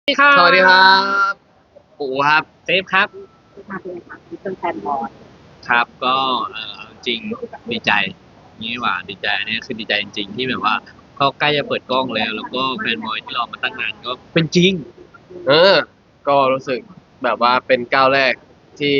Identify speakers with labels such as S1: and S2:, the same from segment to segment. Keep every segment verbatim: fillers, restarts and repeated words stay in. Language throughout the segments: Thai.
S1: สวัสดีครับ
S2: สวัสดีครับปูครับ
S1: เซฟครับ
S3: มาเป็นค่ะที่เป็นแฟนบอล
S1: ครับก็เออเอาจริงดีใจนี่หว่าดีใจอันนี้คือดีใจจริงๆที่แบบว่าก็ใกล้จะเปิดกล้องแล้วแล้วก็แฟนบอยที่รอมาตั้งนานก็เป็นจริง
S2: เออก็รู้สึกแบบว่าเป็นก้าวแรกที่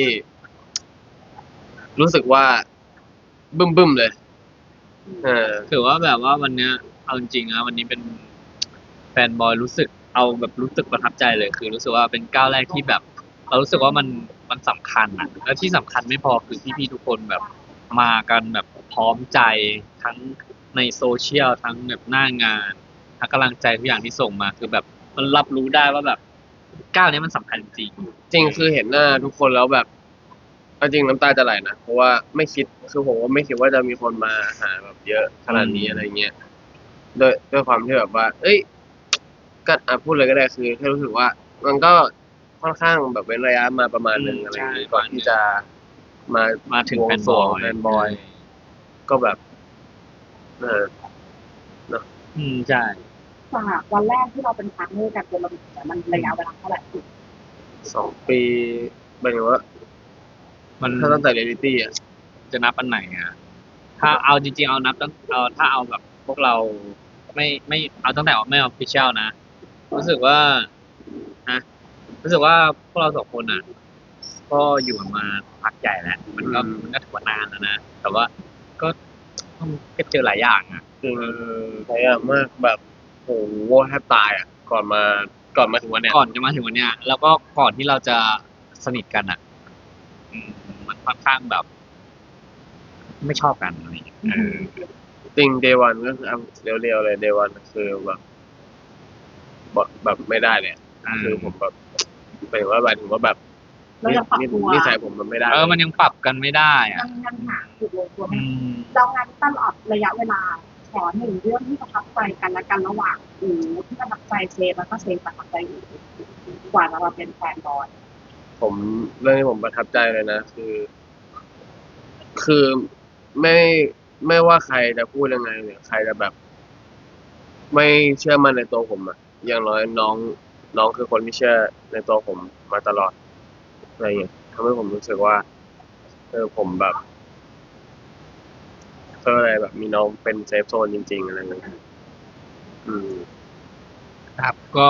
S2: รู้สึกว่าบึ้มบึ้มเลยเออ
S1: ถือว่าแบบว่าวันเนี้ยเอาจริงๆนะวันนี้เป็นแฟนบอยรู้สึกเอาแบบรู้สึกประทับใจเลยคือรู้สึกว่าเป็นก้าวแรกที่แบบเรารู้สึกว่ามันมันสำคัญอ่ะแล้วที่สำคัญไม่พอคือพี่ๆทุกคนแบบมากันแบบพร้อมใจทั้งในโซเชียลทั้งแบบหน้างานทั้งกำลังใจทุกอย่างที่ส่งมาคือแบบมันรับรู้ได้ว่าแบบก้าวนี้มันสำคัญจริง
S2: จริงคือเห็นหน้าทุกคนแล้วแบบเอาจริงน้ำตาจะไหลนะเพราะว่าไม่คิดคือผมว่าไม่คิดว่าจะมีคนมาหาแบบเยอะขนาดนี้อะไรเงี้ยด้วยด้วยความที่แบบว่า เอ้ยก็อ่ะพูดเลยก็ได้คือแค่รู้สึกว่ามันก็ค่อนข้างแบบเว้นระยะมาประมาณหนึ่งอะไรอย่างงี้ก่อนที่จะมา
S1: มาถึง
S2: บว
S1: แฟนบอ
S2: งสรวง
S1: ย
S2: แฟนบอยก็แบบเออเนอะ
S1: อืมใช่
S3: จากวันแรกที่เราเป็นพาร์ทเนอร์กันจนเราถึงมันระยะเวลาเท่าไหร่ถึง
S2: สองปีหมายถึงว่า
S1: มัน
S2: ถ้าตั้งแต่เรียลลิตี้อ่ะ
S1: จะนับอันไหนอ่ะถ้าเอาจริงๆเอานับตั้งเอาถ้าเอาแบบพวกเราไม่ไม่เอาตั้งแต่ไม่ออฟฟิเชียลนะรู้สึกว่านะรู้สึกว่าพวกเราสองคนอ่ะก็อยู่กันมาพักใหญ่แล้วมันก็มันก็ถือว่านานแล้วนะแต่ว่าก็ก็เจอหลายอย่างอ่ะ
S2: จริงพยายามมากแบบโหแทบตายอ่ะก่อนมาก่อนมาถึงวันเนี้ย
S1: ก่อนจะมาถึงวันเนี้ยแล้วก็ก่อนที่เราจะสนิทกันอ่ะอืมมันค่อนข้างแบบไม่ชอบกันอะไรอย่างเงี้ยเออ
S2: จริงเดวันก็คือเอาเรียวๆเลยเดวันคือแบบแบบแบบไม่ได้เลยอะ
S1: อ่า
S2: คือผมแบบหมายถึงว่าหมายถึงว่าแบบ
S3: เรา
S2: นิ
S3: จะปรับ
S2: นิ
S3: ตัว
S2: นิสัยผมมันไม่ได้
S1: เออมันยังปรับกันไม่ได้
S3: ยั
S1: อ่ะ
S3: งยังหาจุดลงตัว
S1: อื
S3: ไม่
S1: ม
S3: เรางานตลอดระยะเวลาขอหนึ่งเรื่องที่ประทับใจกันและกันระหว่างหรือที่ประทับใจเซฟแล้วก็เซฟประทับใจอยู่กว่าเรามาเป็นแฟนบอล
S2: ผมเรื่องที่ผมประทับใจเลยนะคือคือไม่ไม่ว่าใครจะพูดยังไงหรือใครจะแบบ ไม่เชื่อมั่นในตัวผมอะอย่างน้อยน้องน้องคือคนที่เชื่อในตัวผมมาตลอดอะไรอย่างเงี้ยทำให้ผมรู้สึกว่าเออผมแบบก็อะไรแบบมีน้องเป็นเซฟโซนจริงๆอะไรอย่างเงี้ยอืม
S1: ครับก็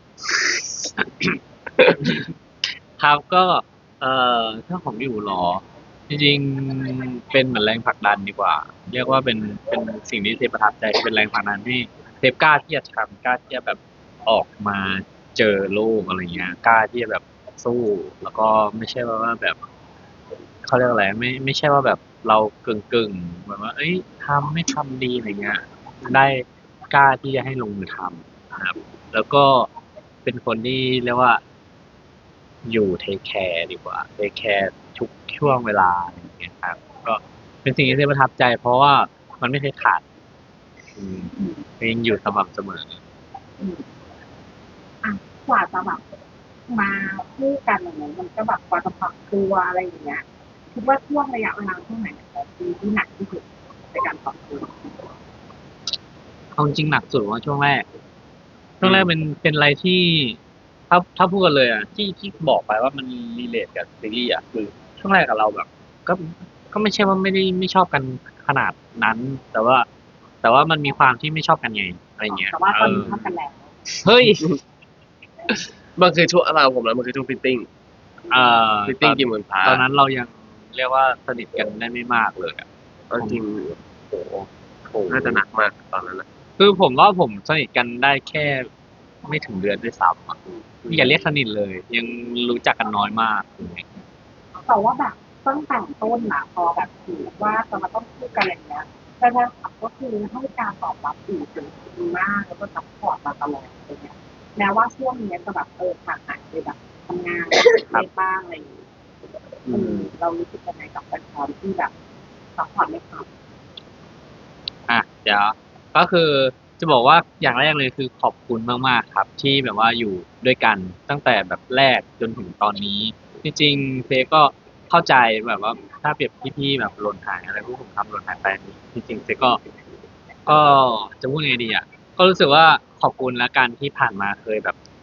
S1: ครับก็เอ่อถ้าผมอยู่หรอจริงๆเป็นเหมือนแรงผลักดันดีกว่าเรียกว่าเป็นเป็นสิ่งที่เทปประทับใจเป็นแรงผลักดันที่เทปกล้าที่จะทำกล้าที่จะแบบออกมาเจอโลกอะไรเงี้ยกล้าที่จะแบบสู้แล้วก็ไม่ใช่ว่าแบบ เขาเรียกอะไรไม่ไม่ใช่ว่าแบบเรากึ่งกึ่งแบบว่าเอ้ยทำไม่ทำดีอะไรเงี้ยได้กล้าที่จะให้ลงมือทำนะครับแล้วก็เป็นคนที่เรียกว่าอยู่เทคแคร์ดีกว่าเทคแคร์ทุกช่วงเวลาอะไรอย่างเงี้ยครับก็เป็นสิ่งที่ประทับใจเพราะว่ามันไม่เคยขาดอืมยังอยู่สม่ำเสมอ
S3: อ่ะกว่าจะแบบมาคู่กันอย่างเงี้ยมันก็แบบกว่าจะปรับตัวอะไรอย่างเงี้ยคิดว่าช่วงระยะเวลาเท่าไหร่ของปีที่หนักที่สุดในการปรับตัว
S1: เอาจริงหนักสุดว่าช่วงแรก ช่วงแรกเป็น
S2: อืม
S1: เป็นอะไรที่ถ้าถ้าพูดกันเลยอ่ะที่ที่บอกไปว่ามันรีเลทกับซีรีส์อ่ะคือช่วงแรกกับเราแบบก็ก็ไม่ใช่ว่าไม่ได้ไม่ชอบกันขนาดนั้น แต่ว่า แต่ว่ามันมีความที่ไม่ชอบกันไงอะไรเงี้ย
S3: แต่ว่า
S1: เออ
S3: ตอนนี้ชอบกันแล้ว
S1: เฮ้ย
S2: มันคือช่วงเราผมแล้วมันคือช่วงฟิตติ้ง
S1: เอ่อ
S2: ฟิต
S1: ตอน
S2: ติ้งกี่หมื่นพา
S1: ตอนนั้นเรายังเรียกว่าสนิทกันได้ไม่มากเลยอ่ะ
S2: เอาจริงโหโหน่าจะหนักมากตอนนั้นนะ
S1: คือผมว่าผมสนิทกันได้แค่ไม่ถึงเดือนด้วยซ้ำอะอย่าเรียกสนิทเลย ยังรู้จักกันน้อยมาก
S3: แต่ว่าแบบตั้งแต่ต้นนะพอแบบถือว่าจะมาต้องพูดกันอย่างเงี้ยแต่แฟนคลับก็คือให้การตอบรับดีถึงดีมากแล้วก็ซัพพอร์ตมาตลอดอะไรเงี้ยแม้ว่าช่วงนี้จะแบบเออห่างหายไปแบบทำงานไปบ้างอะไรอย่างเงี้ย
S2: อื
S3: เออ
S2: ม
S3: เรารู้สึกยังไงกับแฟนคลับที่แบบซัพพอร์ตไม่ขาด
S1: อ่ะเดี๋ยวก็คือจะบอกว่าอย่างแรกเลยคือขอบคุณมากๆครับที่แบบว่าอยู่ด้วยกันตั้งแต่แบบแรกจนถึงตอนนี้จริงๆเฟยก็เข้าใจแบบว่าถ้าเปรียบพี่ๆแบบหล่นหายอะไรพวกผมทำหล่นหายไปจริงๆเฟยก็ก็จะพูดไงดีอ่ะก็รู้สึกว่าขอบคุณและกันที่ผ่านมาเคยแบบค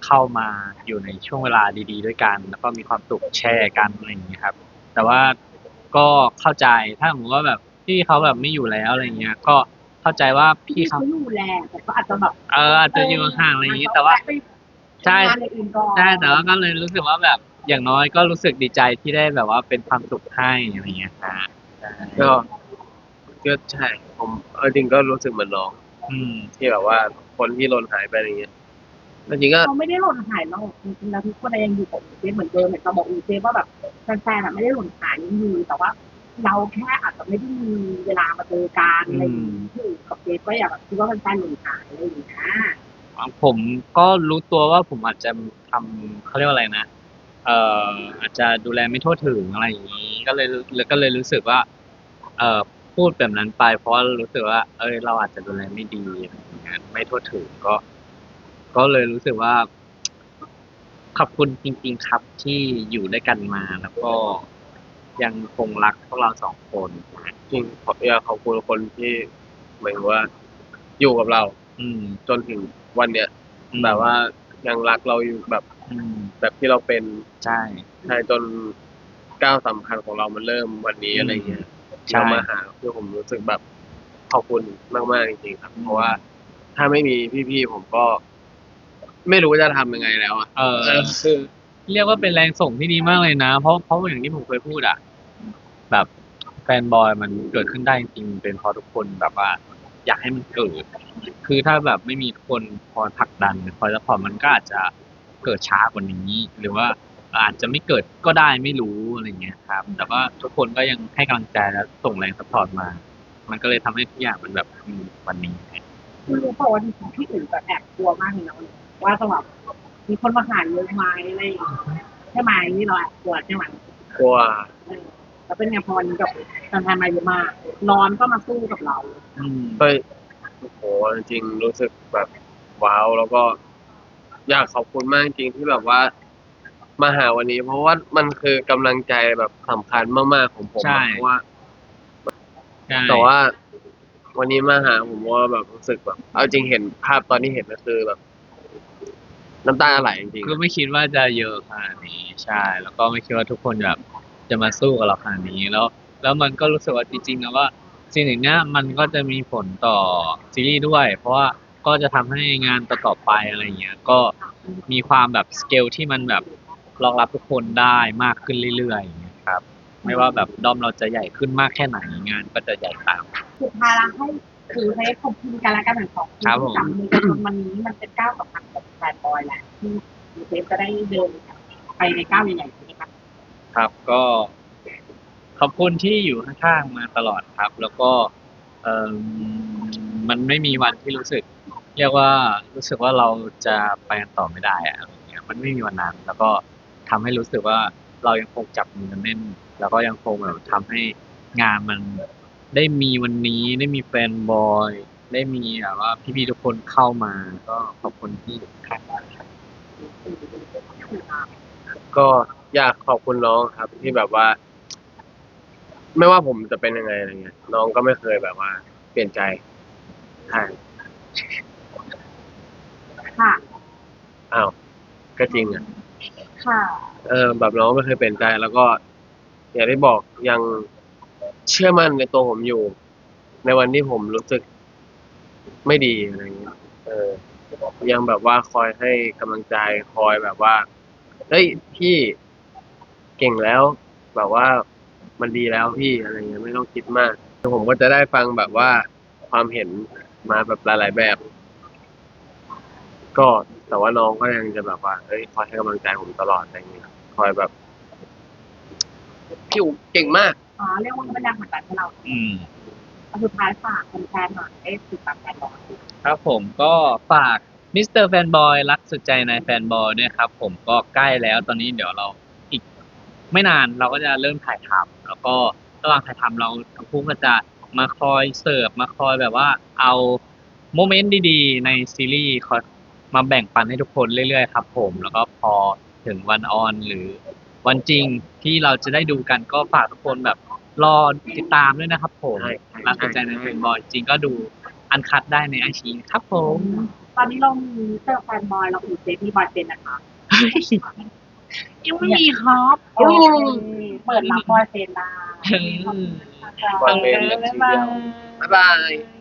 S1: เข้ามาอยู่ในช่วงเวลาดีๆด้วยกัน แล้วก็มีความสุขแชร์กันอะไรอย่างเงี้ยครับ แต่ว่าก็เข้าใจถ้าสมมติว่าแบบพี่เขาแบบไม่อยู่แล้วอะไรเงี้ย ก็เข้าใจว่าพี่
S3: พี่
S1: เขา
S3: เขาอยู่แหละแต่ก็อาจจะแบบ
S1: เอออาจจะอยู่ห่างอะไรอย่างงี้ แต่ว่า
S3: ไป
S1: ใช่
S3: ทำงานอย่างอื่นก่อน
S1: ใช่แต่ว่าก็เลยรู้สึกว่าแบบอย่างน้อยก็รู้สึกดีใจที่ได้แบบว่าเป็นความสุขให้อะไรเงี้ยครับใช่
S2: ก็ก็ใช่ผมเอาจริงก็รู้สึกเหมือนน้อง
S1: อืม
S2: ที่แบบว่าคนที่หล่นหายไปอะไรเงี้ยจริงๆก็
S3: เขาไม่ได้หล่นหายหรอกจริงๆแล้วทุกคนยังอยู่กับอูเซฟเหมือนเดิมเหมือนจะบอกอูเซฟว่าแบบแฟนๆอะไม่ได้หล่นหายยังอยู่แต่ว่า เราแค่อาจจะไม่ได้มีเวลามาเจอกันอะไรอย่างนี้ที่อูกับเซฟก็อยากแบบคิดว่าแฟนๆหล่นหายอะไรอย่างเงี้ย
S1: ผมก็รู้ตัวว่าผมอาจจะทำเขาเรียกว่าอะไรนะ เอ่ออาจจะดูแลไม่ทั่วถึงอะไรอย่างนี้ ก็เลยแล้วก็เลยรู้สึกว่า เอ่อพูดแบบนั้นไป เพราะว่ารู้สึกว่า เอ้ยเราอาจจะดูแลไม่ดีอะไรอย่างเงี้ยไม่ทั่วถึงก็ ก็เลยรู้สึกว่า ขอบคุณจริงๆครับที่อยู่ด้วยกันมา แล้วก็ยังคงรักพวกเราสองคนนะ
S2: จริงขออยากขอบคุณคนที่หมายถึงว่า อยู่กับเรา
S1: อืม
S2: จนถึงวันเนี้ย
S1: อืม
S2: แบบว่ายังรักเราอยู่แบบ
S1: อืม
S2: แบบที่เราเป็น
S1: ใช่
S2: ใช่จนก้าวสำคัญของเรามันเริ่มวันนี้
S1: อืม
S2: อะไรเงี้ย
S1: ใช่
S2: เรามาหาคือผมรู้สึกแบบขอบคุณมากๆจริงๆครับ
S1: อืม
S2: เพราะว่าถ้าไม่มีพี่ๆผมก็ ไม่รู้จะทำยังไงแล้วอะ
S1: เออ
S2: เออคือ
S1: เรียกว่าเป็นแรงส่งที่ดีมากเลยนะ เพราะเพราะอย่างที่ผมเคยพูดอะแบบแฟนบอยมันเกิดขึ้นได้จริงๆเป็นเพราะทุกคนแบบว่า อยากให้มันเกิด คือถ้าแบบไม่มีทุกคนคอยผลักดันคอยซัพพอร์ตมันก็อาจจะเกิดช้ากว่านี้ หรือว่าอาจจะไม่เกิดก็ได้ไม่รู้อะไรเงี้ยครับ แต่ว่าทุกคนก็ยังให้กำลังใจและส่งแรงซัพพอร์ตมา มันก็เลยทำให้ทุกอย่างมันแบบมีวันนี้
S3: คุณรู้เปล่าว่าจริงๆพี่อื่นแบบแอบกลัวมากเลยนะว่าจะแบบมีคนมาหาเยอะไหมอะไรอย่างเงี้ยใช่ไหมนี่เราแอบกลัวใช่ไหม
S2: กลัว
S3: เออแล้วเป็นไงพอวันนี้กับแฟนๆมาเยอะมากร้อนก็มาสู้กับเรา
S1: อืม
S2: ก็โอ้โหจริงๆรู้สึกแบบว้าวแล้วก็อยากขอบคุณมากจริงๆที่แบบว่า มาหาวันนี้ เพราะว่ามันคือกำลังใจแบบสำคัญมากๆของผม
S1: ใช่
S2: อะเพราะว่า
S1: ใช่
S2: แต่ว่าวันนี้มาหาผมว่าแบบรู้สึกแบบ เอาจริงเห็นภาพตอนที่เห็นก็คือแบบ น้ำตาไหลจริงๆ
S1: ก็
S2: อะ
S1: ไม่คิดว่าจะเยอะขนาดนี้ใช่ แล้วก็ไม่คิดว่าทุกคนแบบจะมาสู้กับเราขนาดนี้แล้ว แล้วมันก็รู้สึกว่าจริงๆนะว่าสิ่งอย่างเนี้ยมันก็จะมีผลต่อซีรีส์ด้วย เพราะว่าก็จะทำให้งานต่อๆไปอะไรเงี้ยก็มีความแบบสเกลที่มันแบบรองรับทุกคนได้มากขึ้นเรื่อยๆอย่างเงี้ยครับ ไม่ว่าแบบด้อมเราจะใหญ่ขึ้นมากแค่ไหนงานก็จะใหญ่ตาม
S3: สุดท้ายแล้วให้คือให้ขอบคุณกันและกันทั้งสองคน
S1: ครับผม
S3: ที่จับมือกันจนวันนี้มันเป็นก้าวสำคัญของแฟนบอยแหละที่ยูเซฟจะได้เดินไปในก้าวใหญ่ๆนี้ครับ
S1: ครับก็ขอบคุณที่อยู่ข้างๆมาตลอดครับ แล้วก็เอ่อมันไม่มีวันที่รู้สึก เรียกว่ารู้สึกว่าเราจะไปกันต่อไม่ได้อะอะไรเงี้ยมันไม่มีวันนั้น แล้วก็ทำให้รู้สึกว่าเรายังคงจับมือกันแน่น แล้วก็ยังคงแบบทำให้งานมันได้มีวันนี้ได้มีแฟนบอย ได้มีแบบว่าพี่ๆทุกคนเข้ามา ก็ขอบคุณที่อยู่ข้างๆครับ
S2: ก็อยากขอบคุณน้องครับ ที่แบบว่า ไม่ว่าผมจะเป็นยังไงอะไรเงี้ย น้องก็ไม่เคยแบบว่า เปลี่ยนใจใช่
S3: ค่ะ
S2: อ้าวก็จริงอ่ะ
S3: ค่ะ
S2: เออแบบน้องไม่เคยเปลี่ยนใจ แล้วก็อย่างที่บอกยังเชื่อมั่นในตัวผมอยู่ ในวันที่ผมรู้สึกไม่ดีอะไรเงี้ยเออ ยังแบบว่าคอยให้กำลังใจคอยแบบว่าเฮ้ยพี่เก่งแล้ว แบบว่ามันดีแล้วพี่อะไรเงี้ยไม่ต้องคิดมากผมก็จะได้ฟังแบบว่าความเห็นมาแบบหลาย ๆ แบบ ก็แต่ว่าน้องก็ยังจะแบบว่าเฮ้ยคอยให้กำลังใจผมตลอดอะไรเงี้ยคอยแบบพี่อู๋เก่งมาก
S3: อ๋อเรียกว่าเป็นแรงผลักดันให้เรา
S1: อืม
S3: สุดท้ายฝากแฟนๆหน่อยให้ติดตามแฟนบอย
S1: ครับผมก็ฝากมิสเตอร์แฟนบอยรักสุดใจในแฟนบอยด้วยครับผมก็ใกล้แล้วตอนนี้เดี๋ยวเราอีกไม่นานเราก็จะเริ่มถ่ายทำแล้วก็ระหว่างถ่ายทำเราทั้งคู่ก็จะมาคอยเสิร์ฟมาคอยแบบว่าเอาโมเมนต์ดีๆในซีรีส์คอยมาแบ่งปันให้ทุกคนเรื่อยๆครับผมแล้วก็พอถึงวันออนหรือวันจริงที่เราจะได้ดูกันก็ฝากทุกคนแบบรอติดตามด้วยนะครับผม
S2: ใช่ใช่
S1: รักสุดใจในแฟนบอยจริงก็ดูอันคัดได้ในไอชีครับผม
S3: ฝตอนนี้เรามีเจอแฟนบอยเราอยู่เซฟมีบอยเป็นนะคะ
S1: ยังไม่มีครับ
S3: โอเคเปิดรับบอยเป็นได้
S2: บอยเป็นเลยทีเดียว บ๊ายบาย